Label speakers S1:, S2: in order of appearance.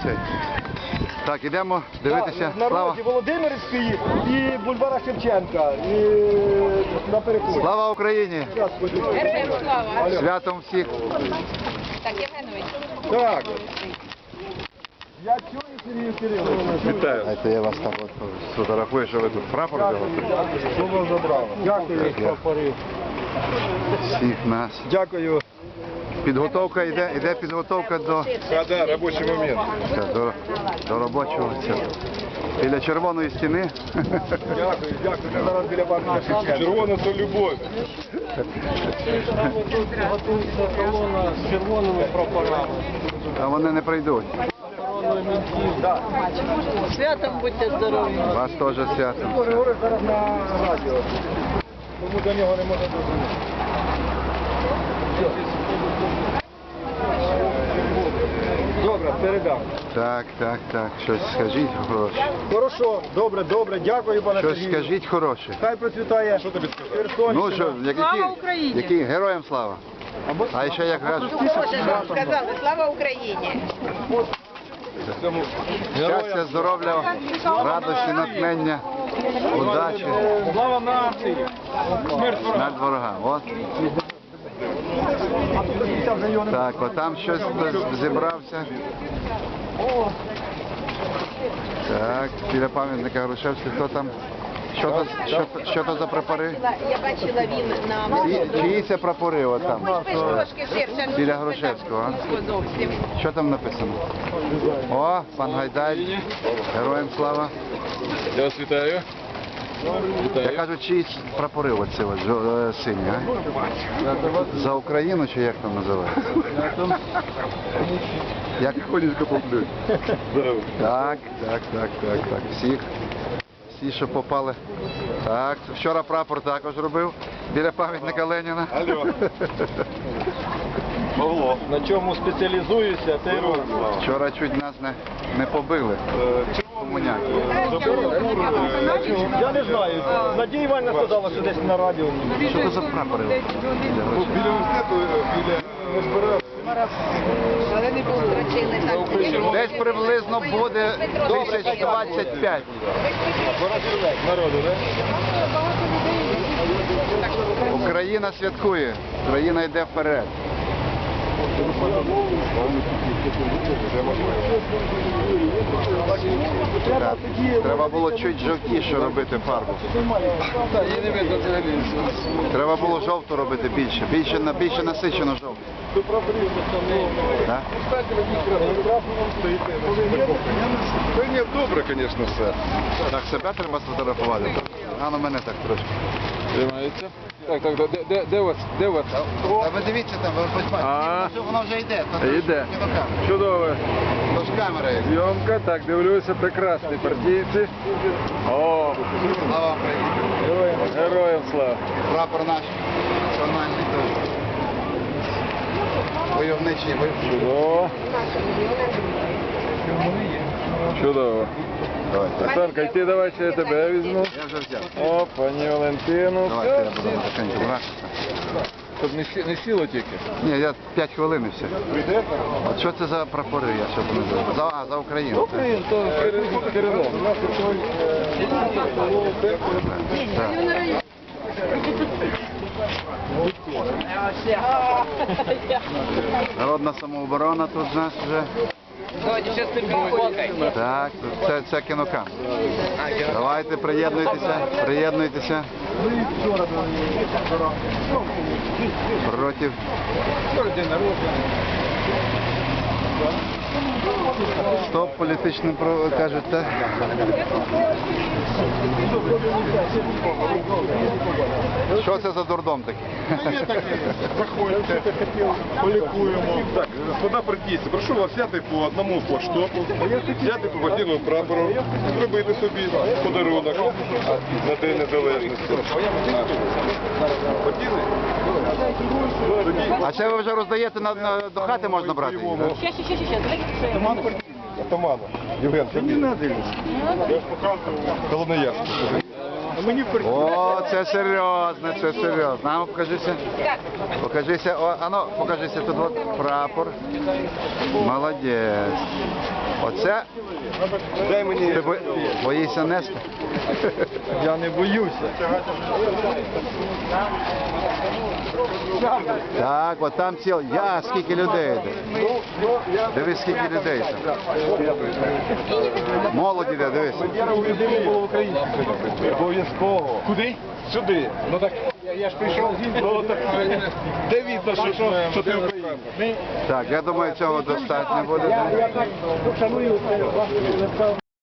S1: цей. Так, ідемо дивитися.
S2: На
S1: Слава.
S2: роді Володимирської і бульвара Шевченка. І на переході.
S1: Слава Україні!
S3: Героям слава!
S1: Святом всіх!
S3: Так, Євгенович.
S2: Так. Я чую, Сергій Кирилович.
S4: Вітаю.
S1: Знаєте, я вас там от сфотографую, що ви тут прапор взяли.
S2: Слово забрало. Дякую.
S1: Всіх нас.
S2: Дякую.
S1: Підготовка йде підготовка
S4: Да, робочий момент.
S1: до робочого цього. Біля червоної стіни.
S2: Дякую. Ми зараз біля парка Шевченка.
S4: Червона то любов.
S2: Готується колона з червоними прапорами.
S1: А вони не прийдуть.
S3: Святом будьте здорові.
S1: Вас теж святом.
S2: Говорить зараз на радіо. Тому до нього не можна дозвонити. Добре, передам.
S1: Так. Щось скажіть хороше.
S2: Хорошо, добре, дякую, пане
S1: Щось
S2: Сергію.
S1: скажіть хороше.
S2: Хай процвітає. Що тобі сказати?
S1: Ну що, який героям слава? А ще як кажуть,
S3: Сказали, слава Україні.
S1: щастя, здоров'я, радості, натхнення, удачі
S2: Слава нації!
S1: над ворогами. От. Так, отам щось хтось зібрався. Так, біля пам'ятника Грушевського, хто там? Що то за прапори?
S3: Я бачила він на
S1: Чиї це прапори от там?
S3: трошки ширше.
S1: Біля Грушевського, а?
S3: Зовсім.
S1: Що там написано? О, пан Гайдай, героям слава.
S4: Я вас вітаю.
S1: Я кажу, чиїсь прапори оці от, сині, а? За Україну чи як там називається? Як ходіть поплють. Так. Всі, що попали. Так, вчора прапор також робив біля пам'ятника Леніна.
S4: Алло. Павло.
S2: На чому спеціалізуюся, те й роблю.
S1: Вчора чуть нас не побили. Комуняки.
S2: Я не знаю. Надія Іванівна сказала, що десь на радіо.
S1: Що це за прапори?
S4: Біля університету, біля збирав.
S3: Але не було.
S1: Десь приблизно буде 1025.
S2: Народу, так?
S1: Україна святкує, Україна йде вперед. Так, треба було чуть жовтіше робити фарбу. Треба було жовту робити більше насичено жовту. Так?
S4: Та ні, добре, звісно, все.
S1: Так, себе треба сфотографувати. А на мене так трошки.
S4: Тримається. Так, де у вас?
S1: А ви дивіться там, ви бачите, воно вже йде.
S4: Йде. Чудово.
S1: Тож камера є.
S4: Зйомка, так, дивлюся, прекрасні партійці. О,
S1: Слава Україні.
S4: героям слава.
S1: Прапор наш національний теж. Войовничий.
S4: Чудово. Чудово.
S1: Давайте.
S4: Оксанка, йти давай, ще я тебе візьму.
S1: Я вже взяв.
S4: О, пані Валентину.
S1: Давайте я буду потихеньку брати.
S4: Щоб не сіло тільки.
S1: Ні, я 5 хвилин і все. От що це за прапори, я щоб не знаю. За Україну. так?
S4: Україн, то керівник.
S1: Народна самооборона тут в нас вже. Так, це кінокам. Давайте, приєднуйтеся. Проти. Стоп політичним, кажуть, так? Що це за дурдом такий?
S4: Заходьте, полікуємо. Так, господа партійці, прошу вас взяти по одному флагштоку, взяти по партійному прапору, зробити собі подарунок на День Незалежності.
S1: А це ви вже роздаєте до хати можна брати?
S4: Атамана. Євген, тобі не дивишся. Я ж показував Колоноярську.
S1: О, це серйозно, це серйозно. А ну покажися. Покажися, покажися тут от прапор. Молодець. Оце
S4: Дай мені.
S1: ти боїшся нести?
S2: Я не боюся.
S1: Так, от там скільки людей йде. Дивись, скільки людей там. Молоді йде, дивись.
S2: Я у людини було в Україні. Обов'язково.
S4: Куди? Сюди.
S2: Ну так я ж прийшов з
S4: Ну так де видно, що ти українець?
S1: Так, я думаю, цього достатньо буде.
S2: Я так шаную вас.